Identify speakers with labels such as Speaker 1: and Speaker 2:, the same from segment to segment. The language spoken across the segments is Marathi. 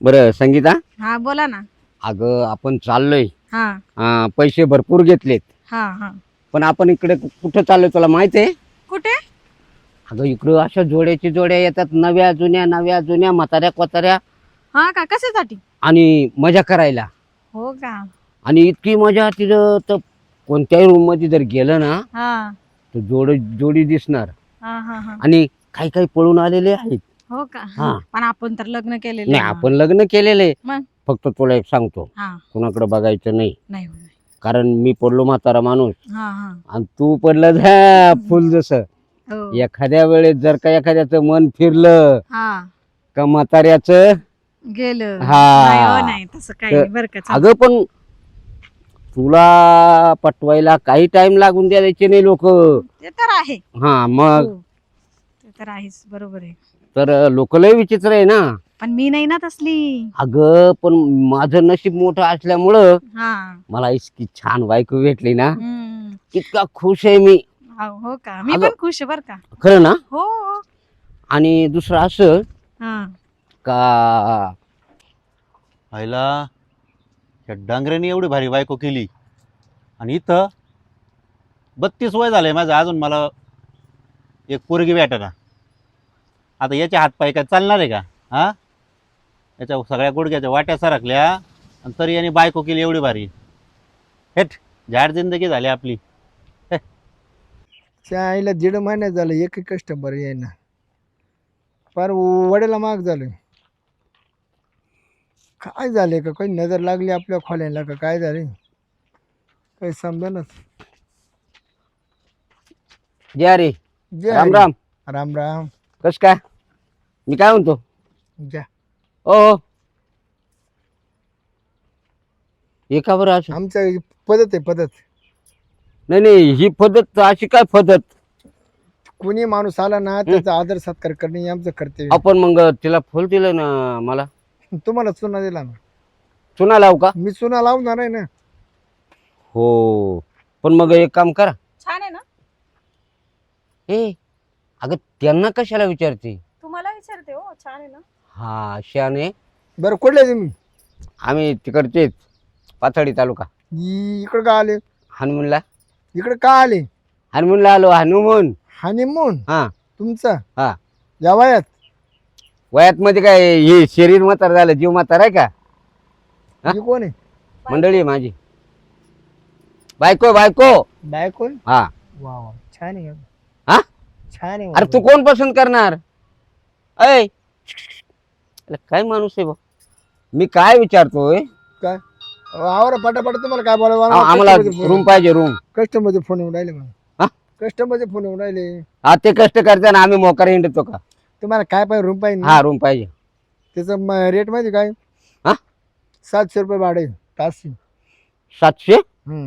Speaker 1: बरं संगीता,
Speaker 2: हा बोला ना.
Speaker 1: अगं आपण चाललोय,
Speaker 2: हा
Speaker 1: पैसे भरपूर घेतलेत,
Speaker 2: हा हा.
Speaker 1: पण आपण इकडे कुठं चाललोय तुला माहिती आहे?
Speaker 2: कुठे?
Speaker 1: अगं इकडं अशा जोड्याची जोड्या येतात, नव्या जुन्या म्हाताऱ्या कोताऱ्या,
Speaker 2: हा का, कशासाठी?
Speaker 1: आणि मजा करायला.
Speaker 2: हो का?
Speaker 1: आणि इतकी मजा तिथं तर कोणत्याही रूम मध्ये जर गेलं ना
Speaker 2: हा
Speaker 1: तर जोडी दिसणार.
Speaker 2: हा हा हा.
Speaker 1: आणि काही काही पळून आलेले आहेत.
Speaker 2: हो का?
Speaker 1: हा.
Speaker 2: पण आपण तर लग्न केलेलं
Speaker 1: नाही,
Speaker 2: आहे ना.
Speaker 1: आपण लग्न केलेले.
Speaker 2: मग
Speaker 1: फक्त तुला एक सांगतो,
Speaker 2: हा
Speaker 1: कुणाकडे बघायचं नाही,
Speaker 2: नाही हो, नाही.
Speaker 1: कारण मी पडलो म्हातारा माणूस
Speaker 2: हा हा
Speaker 1: आणि तू पडलं झा फुल. जसं
Speaker 2: हो.
Speaker 1: एखाद्या वेळेस जर का एखाद्याचं मन फिरलं
Speaker 2: हा
Speaker 1: का म्हाताऱ्याचं.
Speaker 2: गेलं.
Speaker 1: हा.
Speaker 2: नाही हो, नाही तसं काही नाही बरं का. चालेल.
Speaker 1: अगं पण तुला पटवायला काही टाइम लागून द्यायचे नाही लोक.
Speaker 2: ते तर आहे.
Speaker 1: हा मग
Speaker 2: हो. ते तर आहेच, बरोबर आहे.
Speaker 1: तर लोक लय विचित्र आहे ना.
Speaker 2: पण मी नाही ना तसली.
Speaker 1: अगं पण माझं नशीब मोठं असल्यामुळं
Speaker 2: हा.
Speaker 1: मला इतकी छान बायको भेटली ना,
Speaker 2: हम्म.
Speaker 1: इतका खुश आहे मी.
Speaker 2: हो का? मी
Speaker 1: अगं-
Speaker 2: पण खुश आहे बर का.
Speaker 1: खरं ना.
Speaker 2: हो.
Speaker 1: आणि दुसरं असं
Speaker 2: हा
Speaker 1: का
Speaker 3: व्हायला त्या डांगऱ्याने एवढी भारी बायको केली आणि इथं 32 वय झालंय माझं, अजून मला एक पोरगी भेटेना. आता याचे हातपाय काय चालणार आहे का? हा, याच्या सगळ्या गुडघ्याच्या वाट्या सरकल्या आणि तरी याने बायको केली एवढी भारी. हेट झाड जिंदगी झाली आपली.
Speaker 4: त्या आईला 1.5 महिन्यात झालं एक कस्टमर येईना, फार वड्याला माग झालं. काय झाले का, काही नजर लागली आपल्या खोल्यांना का काय झाले, काही समजेनाच.
Speaker 1: जय रे,
Speaker 4: जे
Speaker 1: राम राम.
Speaker 4: राम राम.
Speaker 1: कस काय? मी काय म्हणतो,
Speaker 4: जा.
Speaker 1: ओ हे का बरं असं?
Speaker 4: आमचं पद्धत आहे पद्धत.
Speaker 1: नाही, ही पद्धत अशी काय पद्धत?
Speaker 4: कोणी माणूस आला ना त्याचा आदर सत्कार करणे हे आमचं कर्तव्य.
Speaker 1: आपण मग तिला फुल दिलं ना, मला
Speaker 4: तुम्हाला चुना दिला ना,
Speaker 1: चुना लावू का?
Speaker 4: मी चुना लावणार आहे ना.
Speaker 1: हो, पण मग एक काम करा.
Speaker 2: छान आहे ना.
Speaker 1: ए अगं त्यांना कशाला विचारते?
Speaker 2: तुम्हाला विचारते हो. छान आहे ना.
Speaker 1: हा शाने,
Speaker 4: बरं कुठले तुम्ही?
Speaker 1: आम्ही तिकडचेच, पाथर्डी तालुका.
Speaker 4: इकडं का आले?
Speaker 1: हनुमूनला.
Speaker 4: इकडे का आले?
Speaker 1: हनुमूनला आलो. हनुमून.
Speaker 4: हनीमून
Speaker 1: हा
Speaker 4: तुमचा
Speaker 1: हा.
Speaker 4: या वयात?
Speaker 1: वयात मध्ये काय, हे शरीर म्हातार झालं, जीव म्हातार आहे का? हा?
Speaker 4: ही कोण आहे?
Speaker 1: मंडळी आहे माझी. बायको
Speaker 4: बायको?
Speaker 1: हा.
Speaker 4: वा वा, छान आहे.
Speaker 1: हा?
Speaker 4: छान आहे.
Speaker 1: अरे तू कोण पसंत करणार? ऐ काय माणूस आहे बा. मी काय विचारतोय,
Speaker 4: काय आवर पटापट, तुम्हाला काय
Speaker 1: आम्हाला रूम पाहिजे, रूम.
Speaker 4: कस्टमरचे फोन येऊन राहिले
Speaker 1: हा?
Speaker 4: मला. कस्टमरचे फोन येऊन राहिले.
Speaker 1: हा, ते कष्ट करते ना, आम्ही मोकार हिंडतो का?
Speaker 4: तुम्हाला काय पाहिजे? रूम पाहिजे ना?
Speaker 1: हा, रूम पाहिजे.
Speaker 4: त्याचं रेट माहिती काय?
Speaker 1: हा?
Speaker 4: 700 रुपये भाडे तास.
Speaker 1: 700.
Speaker 4: हम्म.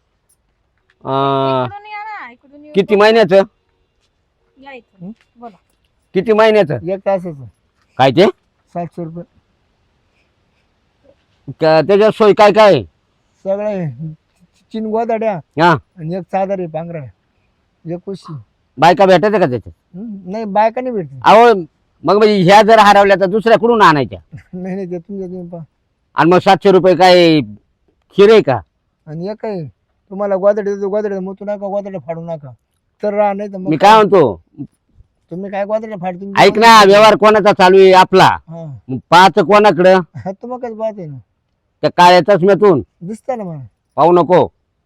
Speaker 2: इकडून या ना, इकडून येऊ.
Speaker 1: किती महिन्याचं?
Speaker 2: या इथून. बोला.
Speaker 1: किती महिन्याचं?
Speaker 4: एक तासाचं
Speaker 1: काय ते?
Speaker 4: 700 रुपये.
Speaker 1: त्याच्यात सोय काय काय आहे?
Speaker 4: सगळे चिन गोदाड्या
Speaker 1: हा,
Speaker 4: आणि एक चादर आहे पांघरा, एक उशी.
Speaker 1: बायका भेटायचं का त्याच्यात?
Speaker 4: नाही बायका नाही भेटते.
Speaker 1: अहो मग म्हणजे ह्या जर हरवल्या तर दुसऱ्या कुठून आणायच्या?
Speaker 4: नाही नाही, ते तुमच्या तुम्ही पहा.
Speaker 1: आणि मग 700 रुपये काय खीर आहे का?
Speaker 4: आणि एक आहे तुम्हाला गोदाडे देतो, गोदाडे मोतू नका, गोदाडे फाडू नका, तर राहा. नाही तर
Speaker 1: मी
Speaker 4: मग
Speaker 1: काय म्हणतो,
Speaker 4: तुम्ही काय गोदाडे फाड तुम्ही.
Speaker 1: ऐक ना, व्यवहार कोणाचा चालू आहे? आपला.
Speaker 4: हा
Speaker 1: मग पाहायचं कोणाकडं?
Speaker 4: हा, तुम्हाला काय पाहते ना,
Speaker 1: त्या काळ्या चष्म्यातून
Speaker 4: दिसतं ना मला.
Speaker 1: पाहू नको.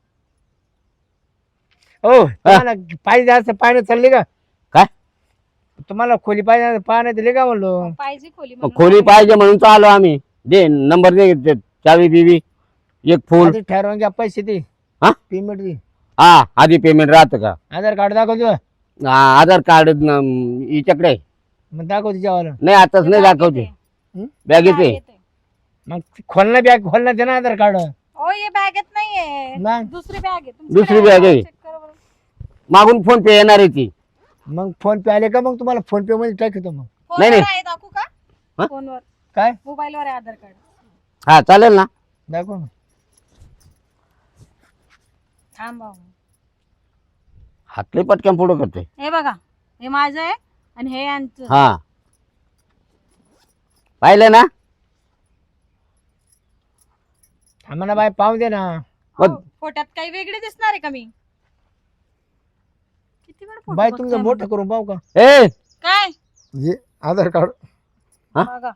Speaker 4: हो, तुम्हाला पाहिजे असं पाण्यात चालले का?
Speaker 1: काय?
Speaker 4: तुम्हाला खोली पाहिजे पाण्यात दिले का म्हणलो?
Speaker 2: पाहिजे खोली
Speaker 1: मग
Speaker 2: म्हणून.
Speaker 1: खोली पाहिजे म्हणून तर आलो आम्ही. दे नंबर, दे चावी बिवी, एक फुल.
Speaker 4: आधी ठरवून घ्या पैसे ते.
Speaker 1: हा?
Speaker 4: पेमेंट दे.
Speaker 1: हा, आधी पेमेंट राहतं का?
Speaker 4: आधार कार्ड दाखवतो.
Speaker 1: हा, आधार कार्ड हिच्याकडे आहे.
Speaker 4: मग दाखव तिच्यावाला.
Speaker 1: नाही, आताच नाही
Speaker 2: बॅगेत
Speaker 1: दाखवते.
Speaker 2: आहे.
Speaker 1: बॅगेत आहे.
Speaker 2: बॅगेत आहे.
Speaker 4: मग खोलना बॅग खोलना दे ना आधार कार्ड.
Speaker 2: ओ ये बॅगेत नाहीये.
Speaker 4: मग
Speaker 2: दुसरी बॅग आहे. तुमची
Speaker 1: दुसरी
Speaker 2: बॅग
Speaker 1: बॅग आहे.
Speaker 2: चेक करा बरं.
Speaker 1: मागून फोन पे येणार आहे ती.
Speaker 4: मग फोन पे आले का? मग तुम्हाला फोन पे मध्ये टाकतो. मग
Speaker 2: फोनवर
Speaker 1: नाही.
Speaker 2: आहे, दाखवू का?
Speaker 1: हा?
Speaker 2: फोनवर,
Speaker 4: काय
Speaker 2: मोबाईलवर आहे आधार कार्ड.
Speaker 1: हा, चालेल ना.
Speaker 4: दाखव ना.
Speaker 2: थांब भाऊ.
Speaker 1: हातले पटकन पुढं करते.
Speaker 2: हे बघा, हे माझं आहे आणि हे यांचं.
Speaker 1: हा, पाहिलं ना?
Speaker 4: थांबा ना बाई पाहू दे ना.
Speaker 1: मग-
Speaker 2: हो, फोटोत काही वेगळे दिसणार आहे का मी? किती वेळ फोटो
Speaker 4: बाई
Speaker 2: बघताय
Speaker 4: तुमचं
Speaker 2: मग?
Speaker 4: मोठं करून पाहू का?
Speaker 1: ए
Speaker 2: काय
Speaker 4: हे आधार कार्ड
Speaker 1: हा?
Speaker 2: बघा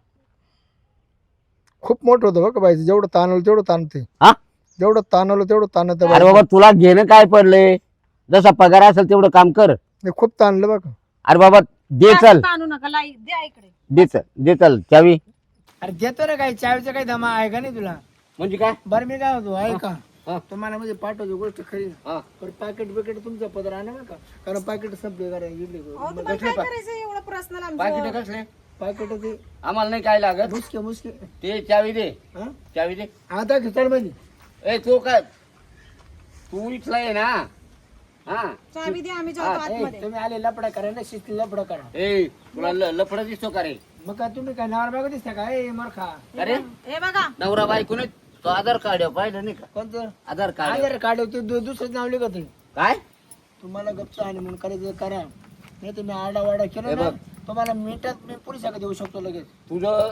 Speaker 4: खूप मोठं होतं बघ बाई, जेवढं ताणवलं तेवढं ताणते.
Speaker 1: हा?
Speaker 4: जेवढं ताणवलं तेवढं ताणत
Speaker 1: अरे बाबा तुला घेणं काय पडले, जसा पगार असेल तेवढं काम कर.
Speaker 4: खूप ताणलं बघ.
Speaker 1: अरे बाबा दे
Speaker 2: जास्त
Speaker 1: चल,
Speaker 2: ताणू नका लाई द्या इकडे.
Speaker 1: दे चल चावी.
Speaker 4: अरे देतो ना, काही चावीचा काही दमा आहे का नाही तुला?
Speaker 1: म्हणजे काय?
Speaker 4: बरं मी काय होतो आहे का
Speaker 1: हा.
Speaker 4: तुम्हाला म्हणजे पाठवतो गोष्ट खरी.
Speaker 1: हा.
Speaker 4: पण पाकिट बिकेट तुमचं पदर आणा बरं का, कारण पाकिट संपले
Speaker 2: अहो, तुम्हाला काय करायचं एवढं पर्सनल
Speaker 1: पाकिट
Speaker 2: आमचं?
Speaker 1: कसले?
Speaker 4: पाकिट ते
Speaker 1: आम्हाला नाही काय लागत.
Speaker 4: मुसके मुसके.
Speaker 1: ते चावी दे,
Speaker 4: हा?
Speaker 1: चावी दे.
Speaker 4: आता खिचड मध्ये
Speaker 1: ए तू काय, तू इथला आहे ना? हा
Speaker 2: चावी द्या, आम्ही
Speaker 1: हा,
Speaker 2: जातो आतमध्ये.
Speaker 4: तुम्ही आले लपडा करा ना, शिस्ती लपडा करा.
Speaker 1: ए तुला लफडा दिसतो का रे?
Speaker 4: मग काय तुम्ही काय नावर बाग दिसता का? ए मरखा
Speaker 1: अरे
Speaker 2: हे बघा
Speaker 1: नवरा बायको नाही, तो आधार कार्ड आहे, पाहिलं नाही का?
Speaker 4: कोणतं
Speaker 1: आधार कार्ड आहे.
Speaker 4: आधार कार्ड होते दुसरंच नाव लिखत आहे.
Speaker 1: काय?
Speaker 4: तुम्हाला गप्प आणि म्हणून करायचं करा, नाही तुम्ही आरडावाडा केला ना, तुम्हाला मिनिटात मी पोलिसाकडे देऊ शकतो लगेच.
Speaker 1: तुझं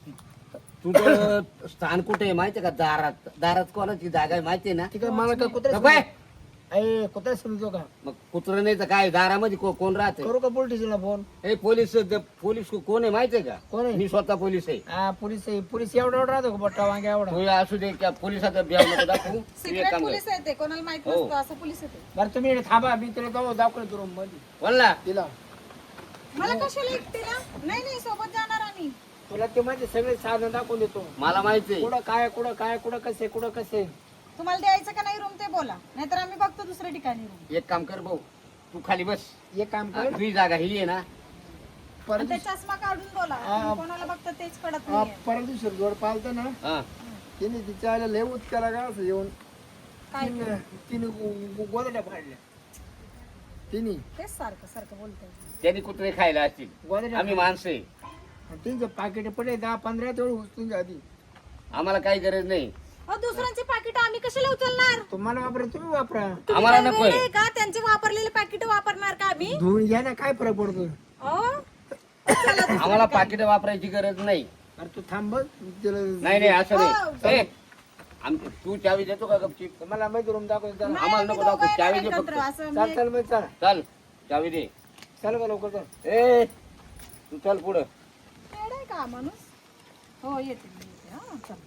Speaker 1: तुझं स्थान कुठे आहे माहितीये का? दारात. दारात कोणाची जागा आहे माहितीये ना?
Speaker 4: ठीक आहे, मला काय कुत्रा
Speaker 1: बाय.
Speaker 4: ए कुत्रा समजतो का?
Speaker 1: मग कुत्र नाही तर काय, दारामध्ये कोण राहते?
Speaker 4: करू का पोलीस स्टेशनला फोन?
Speaker 1: हे पोलीस पोलीस कोण आहे माहितीये का?
Speaker 4: कोण आहे?
Speaker 1: मी स्वतः पोलीस आहे.
Speaker 4: हा पोलीस आहे. पोलीस एवढा एवढा राहतो का बट्टा वांग्या एवढा?
Speaker 1: तू असू दे त्या पोलिसाचा ब्याव नको दाखवू. तू एक
Speaker 2: सिक्रेट
Speaker 1: काम कर.
Speaker 2: पोलीस येते, कोणाला माहित
Speaker 1: हो.
Speaker 2: नसतं असं पोलीस येते.
Speaker 4: बरं तुम्ही इकडे थांबा, मी तुला जाऊ दाखवलं रूम मध्ये
Speaker 1: बोल ना.
Speaker 4: तिला.
Speaker 2: मला कशाला एकटीला? नाही नाही, सोबत जाणार आम्ही.
Speaker 4: तुला ते माझे सगळे साधन दाखवून देतो.
Speaker 1: मला माहिती आहे.
Speaker 4: कुठं काय कुठं काय कुठं कसे कुठं कसे.
Speaker 2: तुम्हाला द्यायचं का नाही रूम ते बोला, नाहीतर आम्ही बघतो दुसऱ्या ठिकाणी रूम.
Speaker 1: एक काम कर भाऊ, तू खाली बस.
Speaker 4: एक काम कर
Speaker 1: तुझी जागा ही आहे ना?
Speaker 4: परत
Speaker 2: ते चष्मा काढून बोला, तुम्ही कोणाला बघता तेच कळत नाही.
Speaker 4: परत दिवशी जोड पालतं ना,
Speaker 1: हा.
Speaker 4: तिने तिच्या आल्या लय उत्कारा का असं येऊन
Speaker 2: काय
Speaker 4: तिने गोदड्या फाडल्या. तिने
Speaker 2: तेच सारखं सारखं बोलतोय.
Speaker 1: त्यांनी कुत्रे खायला असतील,
Speaker 4: गोदड्या
Speaker 1: आम्ही माणसं आहे.
Speaker 4: त्यांचे पाकिट पडले 10-15 तेवढे उचलून आधी.
Speaker 1: आम्हाला काही गरज नाही.
Speaker 2: अहो, दुसऱ्यांचे पाकिट आम्ही कशाला उचलणार?
Speaker 4: तुम्हाला वापरा तुम्ही वापरा.
Speaker 1: आम्हाला
Speaker 2: तुम्ही
Speaker 1: नकोय.
Speaker 2: काय वेडे का? त्यांचे वापरलेले पाकिट वापरणार का आम्ही?
Speaker 4: धुवून घ्या ना, काय फरक पडतो?
Speaker 2: अहो, चला.
Speaker 1: आम्हाला पाकिट वापरायची गरज नाही.
Speaker 4: अरे तू थांब बघ, तिला
Speaker 1: नाही नाही असं
Speaker 2: हो.
Speaker 1: नाही. ए, तू चावी देतो का गपचीप?
Speaker 4: तुम्हाला माहिती रूम दाखवतो. चला
Speaker 2: नाही,
Speaker 1: आम्हाला
Speaker 2: आम्ही
Speaker 1: नको
Speaker 2: दोघं
Speaker 1: दाखवू, चावी
Speaker 2: येणार
Speaker 1: दे
Speaker 2: एकत्र,
Speaker 1: फक्त.
Speaker 2: असं
Speaker 4: चल
Speaker 2: मी-
Speaker 4: चल मग चल
Speaker 1: चल चावी दे.
Speaker 4: चल का लवकर चल.
Speaker 1: ए तू चल पुढं.
Speaker 2: वेडा आहे का हा माणूस? हो येते मी येते. हा, चला.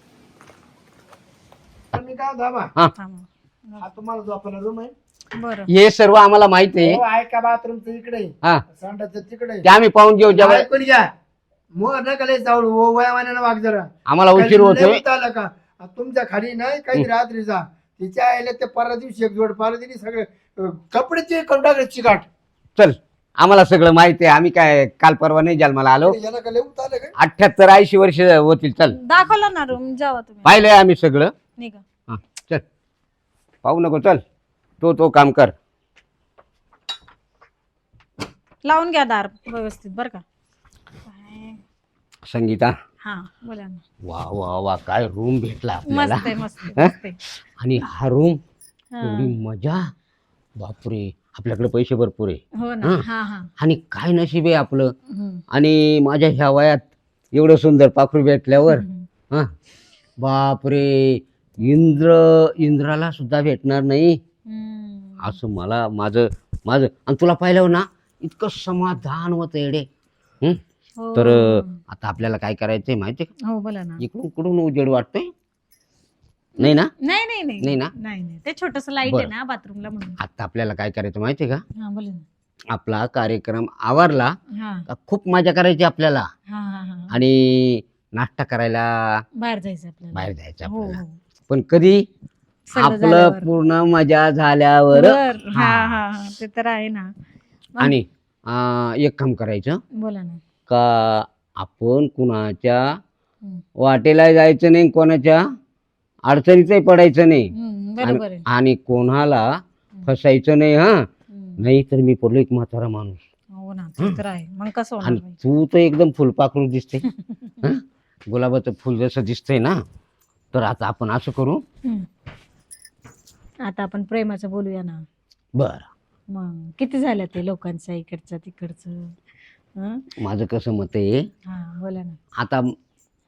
Speaker 4: मी काय धाबा
Speaker 2: थांबा.
Speaker 4: हा तुम्हाला जो आपला रूम आहे.
Speaker 2: बरं.
Speaker 1: हे सर्व आम्हाला माहिती आहे.
Speaker 4: हो, आहे का बाथरूमचं इकडे,
Speaker 1: हा
Speaker 4: संडासचं तिकडे.
Speaker 1: ते आम्ही पाहून घेऊ जेव्हा
Speaker 4: ऐकून घ्या, मोर नका लय चावडू, ओ वयामानानं वाग जरा.
Speaker 1: आम्हाला उशीर
Speaker 4: लय
Speaker 1: होतोय.
Speaker 4: उत आलं का तुमच्या खाली नाही काही रात्रीचा तिच्या आईला ते परवा दिवशी एक जोड पाहिलं तिने सगळे कपड्याचे करून टाकले चिकाट.
Speaker 1: चल आम्हाला सगळं माहिती आहे. आम्ही काय काल परवा नाही जन्माला आलो.
Speaker 4: याला का लय उत आलं काय?
Speaker 1: 78-80 वर्ष होतील. चल
Speaker 2: दाखवलं ना रूम, जावा तुम्ही.
Speaker 1: पाहिलंय आम्ही सगळं.
Speaker 2: निघा.
Speaker 1: हा चल, पाहू नको. चल तो काम कर.
Speaker 2: लावून घ्या दार व्यवस्थित बरं का. काय?
Speaker 1: संगीता,
Speaker 2: हा बोला ना.
Speaker 1: वा वा वा, काय रूम भेटला
Speaker 2: मस्त
Speaker 1: आपल्याला.
Speaker 2: आहे मस्त आहे, मस्त आहे.
Speaker 1: आणि हा रूम
Speaker 2: हा.
Speaker 1: एवढी मजा. बापरे, आपल्याकडे पैसे भरपूर आहे.
Speaker 2: हो ना.
Speaker 1: हा.
Speaker 2: हा हा.
Speaker 1: आणि काय नशीब आहे आपलं.
Speaker 2: हम्म.
Speaker 1: आणि माझ्या ह्या वयात एवढं सुंदर पाखरू भेटल्यावर
Speaker 2: हम्म.
Speaker 1: हा बापरे, इंद्राला सुद्धा भेटणार नाही
Speaker 2: हम्म.
Speaker 1: असं मला माझं माझं आणि तुला पाहिलं ना इतकं समाधान होतं येडे.
Speaker 2: हो.
Speaker 1: तर आता आपल्याला काय करायचंय माहितीये
Speaker 2: हो बोला ना.
Speaker 1: का? इकडून कुठून उजेड वाटतोय नाही ना?
Speaker 2: नाही नाही नाही
Speaker 1: नाही ना?
Speaker 2: नाही नाही, ते छोटस लाईट आहे
Speaker 1: बरं.
Speaker 2: ना बाथरूमला म्हणून.
Speaker 1: आता आपल्याला काय करायचं माहितीये का?
Speaker 2: हा बोला ना.
Speaker 1: आपला कार्यक्रम आवरला
Speaker 2: हा
Speaker 1: का खूप मजा करायची आपल्याला.
Speaker 2: हा हा हा.
Speaker 1: आणि नाश्ता करायला
Speaker 2: बाहेर जायचं आपल्याला.
Speaker 1: बाहेर जायचं
Speaker 2: हो
Speaker 1: आपल्याला.
Speaker 2: हो.
Speaker 1: पण कधी?
Speaker 2: सगळं
Speaker 1: आपलं
Speaker 2: झाल्यावर.
Speaker 1: पूर्ण मजा झाल्यावर.
Speaker 2: बरं. हा हा हा, ते तर आहे ना.
Speaker 1: आणि एक काम करायचं
Speaker 2: बोला ना.
Speaker 1: का आपण कुणाच्या
Speaker 2: हम्म.
Speaker 1: वाटेला जायचं नाही, कोणाच्या अडचणीतही पडायचं नाही.
Speaker 2: बरोबर आहे.
Speaker 1: आणि कोणाला फसायचं नाही. हा
Speaker 2: हम्म.
Speaker 1: नाही तर मी पडलो एक म्हातारा माणूस.
Speaker 2: हो ना, ते तर आहे. मग कसं होणार
Speaker 1: आणि
Speaker 2: बाई?
Speaker 1: तू तर एकदम फुलपाखरू दिसते. हं? गुलाबाचं फुल जसं दिसतंय ना. तर आता आपण असं करू.
Speaker 2: हम्म. आता आपण प्रेमाचं बोलूया ना.
Speaker 1: बर,
Speaker 2: मग किती झालं ते लोकांचं इकडचं तिकडचं. हं?
Speaker 1: माझं कसं मत आहे,
Speaker 2: हा बोला ना.
Speaker 1: आता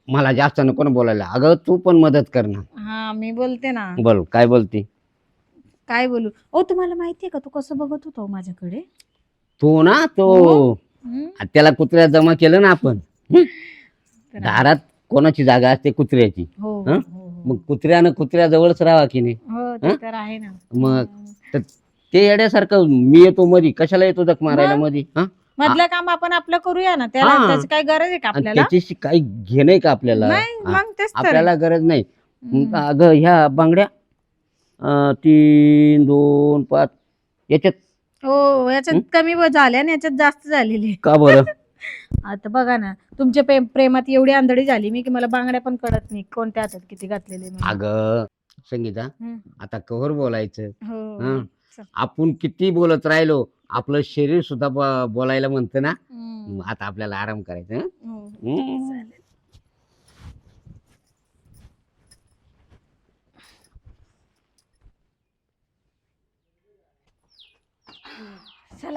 Speaker 1: मला जास्त नको ना बोलायला. अगं तू पण मदत कर ना.
Speaker 2: हा मी बोलते ना.
Speaker 1: बोल काय बोलती.
Speaker 2: काय बोलू. ओ तुम्हाला माहितीये का तू कसं बघत होता हो माझ्याकडे.
Speaker 1: तो ना तो
Speaker 2: हम्म?
Speaker 1: त्याला कुत्र्या जमा केलं ना आपण.
Speaker 2: तर
Speaker 1: दारात कोणाची जागा असते कुत्र्याची.
Speaker 2: हो
Speaker 1: हं?
Speaker 2: हो,
Speaker 1: मग कुत्र्यानं कुत्र्याजवळच राहावा की नाही.
Speaker 2: हो ते तर आहे ना.
Speaker 1: मग तर ते येड्यासारखं मी येतो मधी कशाला येतो जख मारायला
Speaker 2: मग?
Speaker 1: मधी. हा
Speaker 2: मधलं काम आपण आपलं करूया ना. त्याला
Speaker 1: हा.
Speaker 2: त्याची काय गरज आहे का
Speaker 1: आणि
Speaker 2: आपल्याला.
Speaker 1: त्याच्याशी काही घेणं का आपल्याला.
Speaker 2: नाही
Speaker 1: हा.
Speaker 2: मग तेच तर.
Speaker 1: आपल्याला गरज नाही.
Speaker 2: हम्म.
Speaker 1: अगं ह्या बांगड्या 3 2 5 याच्यात
Speaker 2: हो याच्यात कमी झाल्या आणि याच्यात जास्त झालेली.
Speaker 1: का बरं.
Speaker 2: आता बघा ना तुमच्या प्रेमात एवढी आंधळी झाली मी की मला बांगड्या पण कळत नाही कोणत्या हातात किती घातलेले म्हणून.
Speaker 1: अगं संगीता
Speaker 2: हम्म.
Speaker 1: आता कवर बोलायचं.
Speaker 2: हो
Speaker 1: हं.
Speaker 2: चल.
Speaker 1: आपण किती बोलत राहिलो आपलं शरीर सुद्धा बोलायला म्हणतं ना.
Speaker 2: हम्म.
Speaker 1: आता आपल्याला आराम करायचा. हं?
Speaker 2: हो.
Speaker 1: हं.
Speaker 2: चला.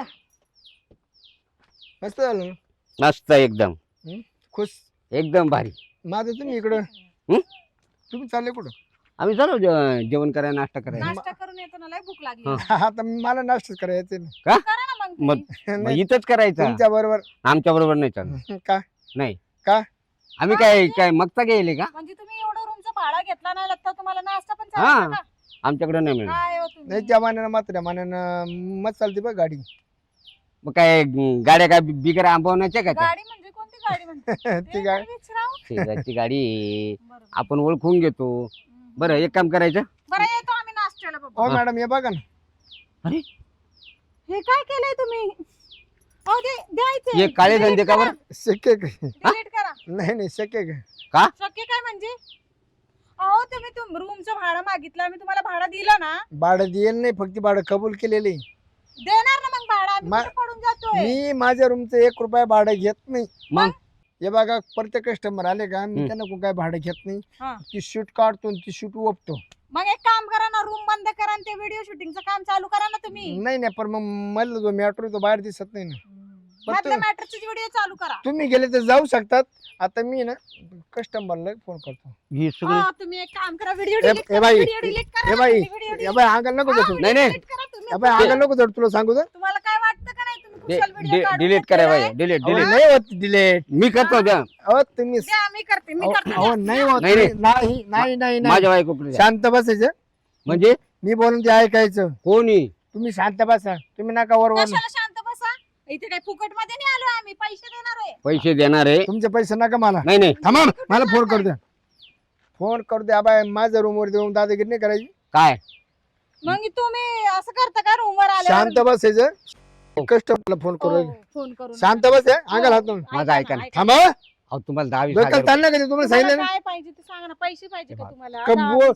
Speaker 4: मस्त झालं ना.
Speaker 1: मस्त एकदम
Speaker 4: खुश.
Speaker 1: एकदम भारी.
Speaker 4: माझं तुम्ही इकडं
Speaker 1: हं?
Speaker 4: तुम्ही चालले कुठं.
Speaker 1: आम्ही चालू जेवण करायला नाश्ता करायला.
Speaker 2: नाश्ता करून येतो ना लय भूक लागली.
Speaker 1: हा.
Speaker 4: आता मला नाश्ता करायचं ना.
Speaker 2: करा ना मग
Speaker 1: मग
Speaker 2: तुम्ही.
Speaker 1: मग इथंच करायचा.
Speaker 4: तुमच्या बरोबर
Speaker 1: आमच्या बरोबर नाही चालत.
Speaker 4: का
Speaker 1: नाही
Speaker 4: का?
Speaker 1: आम्ही काय काय मगता गेले का.
Speaker 2: म्हणजे तुम्ही एवढं रूमचा भाडा घेतला नाही लागता तुम्हाला नाश्ता पण
Speaker 1: हा.
Speaker 2: चालतो का.
Speaker 1: आमच्याकडे नाही मिळणार.
Speaker 2: काय हो तुम्ही.
Speaker 4: नाही त्या मानानं मात्र मानानं मस्त चालते बघ गाडी.
Speaker 1: मग काय गाड्या काय बिगर आंबवण्याच्या का त्या?
Speaker 2: गाडी म्हणजे कोणती गाडी म्हणते.
Speaker 4: ती गाडी
Speaker 1: शेजारची गाडी आहे.
Speaker 2: बरोबर.
Speaker 1: आपण ओळखून घेतो. बरं एक काम करायचं.
Speaker 2: बरं येतो आम्ही नाश्त्याला
Speaker 4: हो
Speaker 2: बाबा.
Speaker 4: मॅडम हे बघा ना.
Speaker 2: हे काय केलंय तुम्ही. अहो द्यायचे.
Speaker 1: हे काळे धंदे का बरं.
Speaker 4: शक्य काय.
Speaker 2: डिलीट करा.
Speaker 4: नाही शक्य काय.
Speaker 2: शक्य काय म्हणजे. अहो तुम्ही रूमचं भाडं मागितलं मी तुम्हाला भाडं दिलं ना.
Speaker 4: भाडं देईल नाही फक्त भाडं कबूल केलेले.
Speaker 2: देणार ना मग भाडं आम्ही
Speaker 4: मा-
Speaker 2: कुठं पडून जातोय.
Speaker 4: मी माझ्या रूमचं 1 रुपया भाडं घेत नाही.
Speaker 1: मग
Speaker 4: हे बघा प्रत्येक कस्टमर आले का मी त्यांना कोण काय भाडं घेत
Speaker 2: हा.
Speaker 4: नाही. ती शूट काढतो आणि ती शूट ओपतो.
Speaker 2: मग एक काम करा ना रूम बंद करा आणि ते व्हिडिओ शूटिंगचं काम चालू करा ना तुम्ही.
Speaker 4: नाही पण मग मला जो मॅटर तो बाहेर दिसत नाही ना. पण
Speaker 2: मधल्या
Speaker 4: तू-
Speaker 2: मॅटरचे व्हिडिओ चालू करा.
Speaker 4: तुम्ही गेले तर जाऊ शकतात. आता मी ना कस्टमरला फोन करतो.
Speaker 1: ही सगळी
Speaker 2: हा, तुम्ही एक काम करा व्हिडिओ
Speaker 4: ए-
Speaker 2: डिलीट
Speaker 4: ए
Speaker 2: करा.
Speaker 4: बाई,
Speaker 2: व्हिडिओ डिलीट करा.
Speaker 4: हे बाई
Speaker 2: व्हिडिओ
Speaker 4: हे बाई अंगल नको जाऊ.
Speaker 1: नाही, नाही.
Speaker 2: डिलीट करा तुम्ही.
Speaker 4: हे बाई अंगल नको जाऊ तुला सांगू तर.
Speaker 2: तुम्हाला काय वाटतं का नाही तुम्ही कुशल व्हिडिओ काढून
Speaker 1: डिलीट करा
Speaker 2: घेतलेला
Speaker 1: बाई.
Speaker 2: आहे?
Speaker 1: डिलीट
Speaker 4: अहो,
Speaker 1: डिलीट
Speaker 4: नाही होत डिलेट.
Speaker 1: मी करतो द्या.
Speaker 4: अहो तुम्ही
Speaker 2: द्या, मी करते मी करते
Speaker 4: अहो नाही होत.
Speaker 1: नाही, नाही.
Speaker 4: नाही नाही नाही नाही.
Speaker 1: माझ्या बायकोकडे द्या.
Speaker 4: शांत बसायचं.
Speaker 1: म्हणजे
Speaker 4: मी बोलून ते ऐकायचं.
Speaker 1: कोणी
Speaker 4: तुम्ही शांत बसा. तुम्ही नका वरवर.
Speaker 2: कशाला शांत बसा. इथे काय फुकट मध्ये नाही आलो आम्ही पैसे देणार आहे.
Speaker 1: पैसे देणार आहे.
Speaker 4: तुमचे पैसे नका मला.
Speaker 1: नाही नाही
Speaker 4: थांबा मला फोन करू द्या. फोन करू द्या बाय. माझ्या रूमवर देऊन दादागिरी नाही करायची.
Speaker 1: काय
Speaker 2: मग तुम्ही असं करता का रूमवर
Speaker 4: शांत
Speaker 2: आल्यावर.
Speaker 4: बसायचं. कस्टमरला फोन करू.
Speaker 2: हो, फोन करून.
Speaker 4: शांत बस अंगाल हात लावून.
Speaker 1: माझं ऐका ना.
Speaker 4: थांबा.
Speaker 1: अहो तुम्हाला 10-20
Speaker 4: डोक्याला
Speaker 1: हजार
Speaker 4: ताण नका देऊ. तुम्हाला सांगितलं
Speaker 2: तुम्हाला
Speaker 4: ना.
Speaker 2: काय पाहिजे ते सांगा ना. पैसे पाहिजे का तुम्हाला.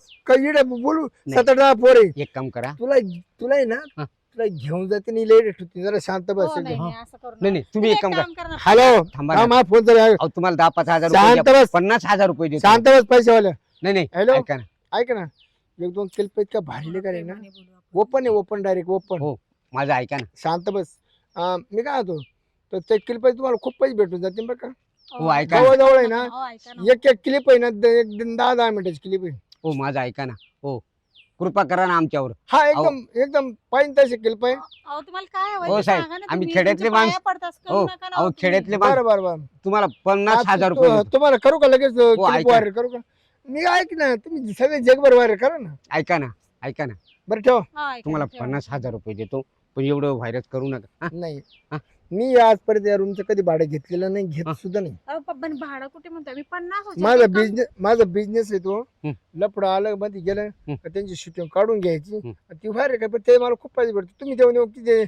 Speaker 4: बोलू
Speaker 1: नाही.
Speaker 4: 7-8 पोरे.
Speaker 1: एक काम करा.
Speaker 4: तुला आहे ना
Speaker 1: हा.
Speaker 4: तुला घेऊन जाते नाही लेट होती. जरा शांत बस.
Speaker 2: हो, नाही, नाही, असं करू
Speaker 1: नाही
Speaker 2: नका.
Speaker 1: नाही तुम्ही एक काम करा.
Speaker 2: करा ना.
Speaker 4: हॅलो
Speaker 1: थांबा
Speaker 4: हा
Speaker 1: ना.
Speaker 4: मा फोन जरा
Speaker 1: अहो तुम्हाला 10-5 हजार रुपये
Speaker 4: शांत
Speaker 1: द्या.
Speaker 4: बस.
Speaker 1: 50,000 रुपये देतो.
Speaker 4: शांत बस पैसेवाले.
Speaker 1: नाही नाही
Speaker 4: हॅलो
Speaker 1: ऐका ना.
Speaker 4: ऐक ना 1-2 केल का भारी करे ना.
Speaker 2: प्रेमाने बोलू आपण.
Speaker 4: ओपन आहे ओपन डायरेक्ट ओपन.
Speaker 1: हो. माझं ऐका ना.
Speaker 4: शांत बस. मी काय होतो तर ते क्लिप तुम्हाला खूप पैसे भेटून जातील बरं का.
Speaker 1: हो ऐका ना.
Speaker 4: जवळ जवळ आहे ना.
Speaker 2: हो, ऐका ना.
Speaker 4: एक क्लिप आहे ना 10-10 मिनिटाची क्लिप आहे.
Speaker 1: हो माझं ऐका ना. हो कृपा करा ना आमच्यावर.
Speaker 4: हा एकदम एकदम पाहिजे तशी क्लिप आहे.
Speaker 2: अहो तुम्हाला काय हवंय
Speaker 1: हो,
Speaker 2: ते
Speaker 1: साहेब,
Speaker 2: सांगा ना
Speaker 1: आम्ही
Speaker 2: तुम्ही.
Speaker 1: खेड्यातले
Speaker 2: तुमच्या
Speaker 1: माणसं-
Speaker 2: पाया पडतास करू
Speaker 1: हो
Speaker 2: नका ना
Speaker 1: अहो
Speaker 2: तुम्ही.
Speaker 1: खेड्यातले
Speaker 4: बरं बरं बरं.
Speaker 1: तुम्हाला 50,000 रुपये देतो.
Speaker 4: तुम्हाला करू का लगेच क्लिप
Speaker 1: ऐका.
Speaker 4: वायर करू का. मी ऐक ना तुम्ही सगळे जगभर वायर करा ना.
Speaker 1: ऐका ना. ऐका ना.
Speaker 4: बरं ठेव.
Speaker 2: हा, ऐका
Speaker 1: तुम्हाला
Speaker 2: ना, ठेवा.
Speaker 1: 50,000 रुपये देतो पण एवढं व्हायरस करू नका. हा?
Speaker 4: नाही
Speaker 1: हा?
Speaker 4: मी आजपर्यंत या रूमचं कधी भाडं घेतलेलं नाही. घेत
Speaker 1: हा.
Speaker 4: सुद्धा नाही.
Speaker 2: अहो, पण भाडं कुठे म्हणतोय मी 50 होते.
Speaker 4: माझा बिझनेस आहे तो.
Speaker 1: हं.
Speaker 4: लपडं आलं मध्ये गेलं
Speaker 1: हं.
Speaker 4: का त्यांची शूटिंग काढून घ्यायची.
Speaker 1: हं.
Speaker 4: ती व्हायर काय पण ते मला खूप पैसे भेटतो. तुम्ही देऊन किती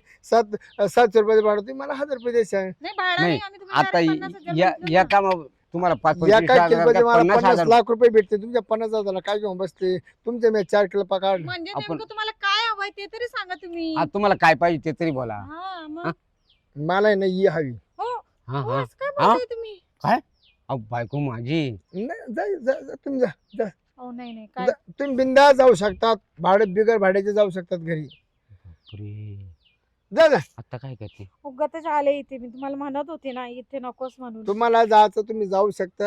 Speaker 4: 700 रुपये भाडं तुम्ही मला 1000 रुपये द्यायचं.
Speaker 2: नाही भाडं
Speaker 1: नाही,
Speaker 2: नाही आम्ही तुम्हाला
Speaker 1: आता
Speaker 2: direct 50,000
Speaker 1: या
Speaker 2: म्हटलं
Speaker 1: या
Speaker 2: ना.
Speaker 1: कामा तुम्हाला 5-25
Speaker 4: या काय
Speaker 1: हजार
Speaker 4: किलोमध्ये
Speaker 1: का
Speaker 4: मला
Speaker 1: 50,000
Speaker 4: 50 लाख रुपये भेटते. तुमच्या 50,000 काय घेऊन बसते. तुमचे मी 4 किलो पकाड.
Speaker 2: म्हणजे
Speaker 1: आपण-
Speaker 2: नेमकं तुम्हाला काय हवंय ते तरी सांगा तुम्ही.
Speaker 1: हा, तुम्हाला काय पाहिजे ते तरी बोला.
Speaker 2: हा मग.
Speaker 1: हा?
Speaker 4: मला आहे ना ही हवी.
Speaker 2: हो
Speaker 1: हा
Speaker 2: हो,
Speaker 1: हा
Speaker 2: असं काय
Speaker 1: हा?
Speaker 2: बोलताय तुम्ही.
Speaker 1: अहो बायको माझी.
Speaker 4: नाही जा तुम्ही जा.
Speaker 2: हो नाही नाही काय.
Speaker 4: तुम्ही बिंदा जाऊ शकतात. भाडं बिगर भाड्याचे जाऊ शकतात घरी.
Speaker 1: बापरे.
Speaker 4: जा
Speaker 1: आता काय करते.
Speaker 2: उगाचच आले इथे मी तुम्हाला म्हणत होते ना इथे नकोस म्हणून.
Speaker 4: तुम्हाला जायचं तुम्ही जाऊ शकता.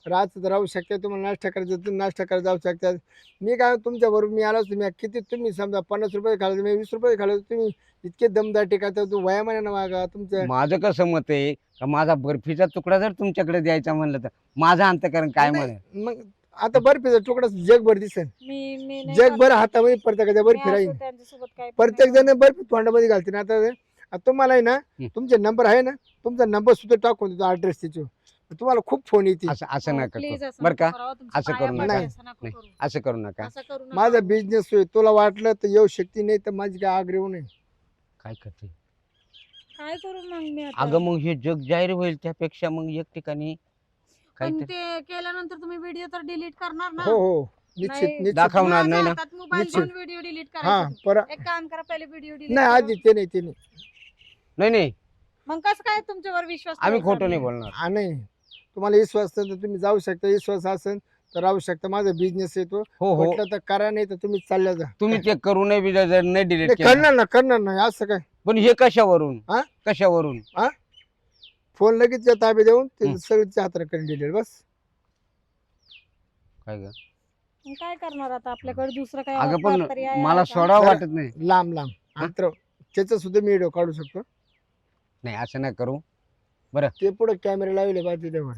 Speaker 4: रात राहू शकता, तुम्हाला नाश्ता करायचं तुम्ही नाश्ता करायला जाऊ शकता. मी काय तुमच्या बरोबर मी आलो तुम्ही किती तुम्ही समजा 50 रुपये खाल्ले मी 20 रुपये खाल्ले तुम्ही इतके दमदाटी का तू वयामानानं वागा तुमच्या.
Speaker 1: माझं कसं मत आहे का माझा बर्फीचा तुकडा जर तुमच्याकडे द्यायचा म्हणलं तर माझं अंतकरण काय
Speaker 4: नाही,
Speaker 1: म्हणेल?
Speaker 4: मग आता बर्फीचा तुकडा जगभर दिसेल,
Speaker 2: मी नाही
Speaker 4: जगभर
Speaker 2: खात.
Speaker 4: हातामध्ये प्रत्येकाच्या
Speaker 2: मी
Speaker 4: बर्फी राहील,
Speaker 2: असं त्यांच्यासोबत काही पण
Speaker 4: प्रत्येक
Speaker 2: नाही
Speaker 4: जण बर्फी तोंडामध्ये घालतील. आता तुम्हाला आहे ना तुमचे नंबर आहे ना, तुमचा नंबर सुद्धा टाकून देतो ऍड्रेस तिचे, तुम्हाला खूप फोन येतील.
Speaker 1: असं असं
Speaker 2: हो,
Speaker 1: नका
Speaker 2: please
Speaker 1: करू
Speaker 2: असं
Speaker 1: बरं का,
Speaker 2: नको करावं, तुमच्या
Speaker 1: असं
Speaker 2: पाया
Speaker 1: करू
Speaker 2: पडते,
Speaker 4: नका.
Speaker 2: असं नको
Speaker 1: नाही.
Speaker 2: करू.
Speaker 1: असं करू नका.
Speaker 2: असं करू नका.
Speaker 4: माझा बिझनेस होय, तुला वाटलं तर येऊ शकते, नाही तर माझी काय आग्रह नाही.
Speaker 1: काय करते
Speaker 2: काय करू मग मी आता?
Speaker 1: अगं मग हे जग जाहीर होईल त्यापेक्षा मग एक ठिकाणी
Speaker 2: पण
Speaker 1: काहीतरी
Speaker 2: ते केल्यानंतर तुम्ही व्हिडिओ तर डिलीट करणार ना?
Speaker 4: हो हो निश्चित
Speaker 2: नाही.
Speaker 4: निश्चित.
Speaker 1: दाखवणार नाही ना.
Speaker 2: मोबाईल
Speaker 4: निश्चित.
Speaker 2: घेऊन व्हिडिओ डिलीट
Speaker 4: हा
Speaker 2: करायचा.
Speaker 4: पर
Speaker 2: एक काम करा, पहिले व्हिडिओ डिलीट
Speaker 4: नाही आधी ते नाही ते नाही
Speaker 1: नाही नाही
Speaker 2: मग कसं काय तुमच्यावर विश्वास
Speaker 1: आम्ही
Speaker 2: ठेवायचा
Speaker 1: खोटं नाही
Speaker 2: आम्ही?
Speaker 1: बोलणार.
Speaker 4: हा नाही, तुम्हाला विश्वास असेल तर तुम्ही जाऊ शकता, विश्वास असेल तर राहू शकता. माझा बिझनेस येतो,
Speaker 1: हो हो
Speaker 4: म्हटलं तर करा, नाही तर तुम्ही चालल्या जा.
Speaker 1: तुम्ही ते करू नये बी जर नाही डिलीट
Speaker 4: नाही,
Speaker 1: केलं
Speaker 4: करणार ना करणार नाही असं काय.
Speaker 1: पण हे कशावरून
Speaker 4: हा?
Speaker 1: कशावरून
Speaker 4: फोन लगेच त्या ताबे देऊन ते
Speaker 1: हं.
Speaker 4: सगळ्याच्या हाताने करून दिले बस.
Speaker 1: काय ग
Speaker 2: मग काय करणार आता, आपल्याकडे दुसरं काय
Speaker 1: अगं पण
Speaker 2: पर्याय आहे
Speaker 1: मला
Speaker 2: का?
Speaker 1: सोडावं
Speaker 4: जरा-
Speaker 1: वाटत नाही.
Speaker 4: लांब लांब अंतर त्याचा सुद्धा मी व्हिडिओ काढू शकतो.
Speaker 1: नाही असं नाही करू.
Speaker 4: ते पुढे कॅमेरा लावले पाहिजे त्यावर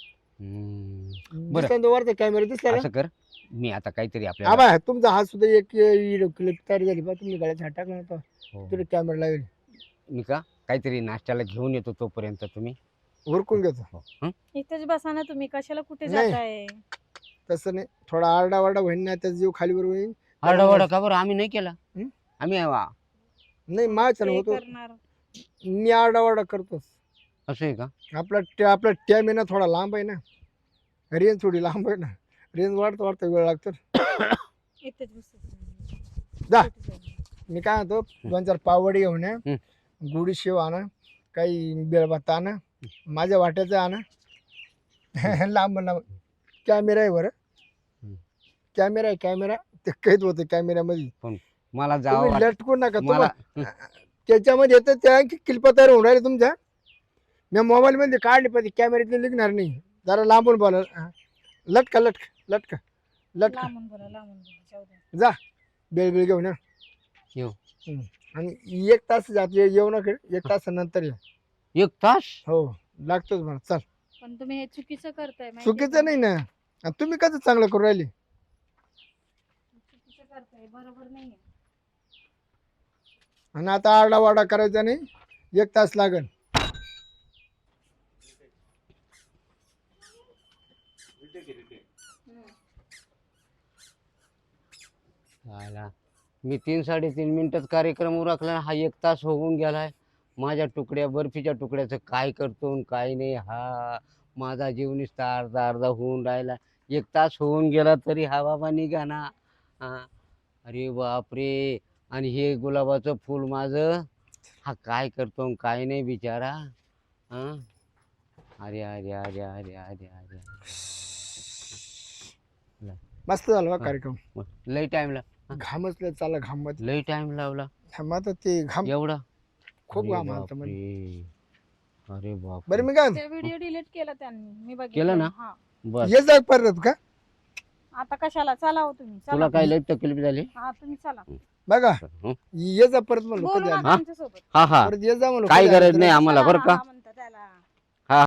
Speaker 1: बरं.
Speaker 4: दिसला वरचा कॅमेरा दिसला ना.
Speaker 1: असं कर मी आता काहीतरी आपल्याला
Speaker 4: आबा तुमचा हात सुद्धा एक व्हिडिओ क्लिप तयार झाली पहा, तुम्ही गळ्यात हात टाकला नव्हता
Speaker 1: हो.
Speaker 4: तिथे कॅमेरा लावले,
Speaker 1: मी का काहीतरी नाश्त्याला घेऊन येतो तोपर्यंत तुम्ही
Speaker 4: उरकून घेतो.
Speaker 1: हो. हं?
Speaker 2: इथेच बसा ना तुम्ही, कशाला कुठे
Speaker 4: नाही.
Speaker 2: जाताय?
Speaker 4: तसं नाही, थोडा आरडा वारडा होईन ना, त्याचा जीव खालीवर होईल.
Speaker 1: आरडाओरडा का बरं आम्ही नाही केला.
Speaker 4: हं?
Speaker 1: आम्ही
Speaker 4: नाही माझ्या
Speaker 2: ते
Speaker 4: होतो,
Speaker 2: करणार.
Speaker 4: मी आरडा वारडा करतोच.
Speaker 1: असं आहे का.
Speaker 4: आपला टॅम आहे ना थोडा लांब आहे ना, रेंज थोडी लांब आहे ना, रेंज वाढता वाढता वेळ लागतो.
Speaker 2: इथेच बसा.
Speaker 4: जा. मी काय म्हणतो 2-4 पावडी घेऊन या,
Speaker 1: हं.
Speaker 4: गुढी शेव आणा, काही बेळभात आणा, माझ्या वाट्याचं आणा. लांब लांब कॅमेरा आहे बरं,
Speaker 1: हं.
Speaker 4: कॅमेरा आहे कॅमेरा, ते कैद होतं कॅमेऱ्यामध्ये.
Speaker 1: मला जावं
Speaker 4: तुम्ही लटकू नका,
Speaker 1: मला
Speaker 4: तुम्हाला त्याच्यामध्ये येतं त्या क्लिपा तयार होऊन राहिले तुमच्या. मी मोबाईल मध्ये काढले पाहिजे, कॅमेऱ्यातले निघणार नाही. जरा लांबून बोला, लटका लटका लटका लटका,
Speaker 2: लांबून बोला, लांबून बोला, जाऊ द्या.
Speaker 4: जा बेळ घेऊन या.
Speaker 1: येऊ.
Speaker 4: आणि 1 तास जात येऊ नका, 1 तासानंतर या.
Speaker 1: 1 तास.
Speaker 4: हो लागतोच मला. चल
Speaker 2: पण तुम्ही हे चुकीचं करताय माहितीये
Speaker 4: चुकीचं
Speaker 2: का?
Speaker 4: नाही ना, आणि तुम्ही कसं चांगलं करू राहिले.
Speaker 2: चुकीचं करताय, बरोबर नाहीये.
Speaker 4: आणि आता आरडा वारडा करायचा नाही, 1 तास लागेल.
Speaker 1: आला. मी 3-3.5 मिनिटात कार्यक्रम उरकला, हा 1 तास होऊन गेलाय. माझ्या तुकड्या बर्फीच्या तुकड्याचं काय करतो आणि काय नाही. हा माझा जीव नुसता अर्धा अर्धा होऊन राहिला. 1 तास होऊन गेला तरी हा बाबा निघा ना. हा अरे बापरे. आणि हे गुलाबाचं फूल माझं, हा काय करतो आणि काय नाही बिचारा. हा अरे अरे अरे अरे अरे अरे
Speaker 4: मस्त झाला बा
Speaker 1: हा.
Speaker 4: कार्यक्रम.
Speaker 1: लई टाइम
Speaker 4: घामच लय चालला, घाम मध्ये
Speaker 1: लई टाइम लावला
Speaker 4: आता ते घाम
Speaker 1: एवढा.
Speaker 4: खूप
Speaker 1: अरे
Speaker 4: घाम आलता मध्ये.
Speaker 1: बापरे. अरे बाप.
Speaker 4: बरं मी काय
Speaker 2: ते व्हिडिओ डिलीट केला त्यांनी, मी बघितलं.
Speaker 1: केलं ना?
Speaker 2: हा.
Speaker 1: बस
Speaker 4: ये जा परत का
Speaker 2: आता कशाला, चला हो तुम्ही, चला.
Speaker 1: तुला काय लई तकलीफ झाली.
Speaker 2: हा तुम्ही चला,
Speaker 4: बघा,
Speaker 1: हं?
Speaker 4: ये जा परत म्हणलो
Speaker 2: बोलू
Speaker 4: कधी आली.
Speaker 2: नका आमच्यासोबत.
Speaker 1: हा हा
Speaker 4: परत ये जा म्हणलो
Speaker 1: काही
Speaker 4: कधी आली
Speaker 1: गरज
Speaker 4: तर.
Speaker 1: नाही आम्हाला
Speaker 2: चला,
Speaker 1: बरं का.
Speaker 2: हा म्हणता त्याला.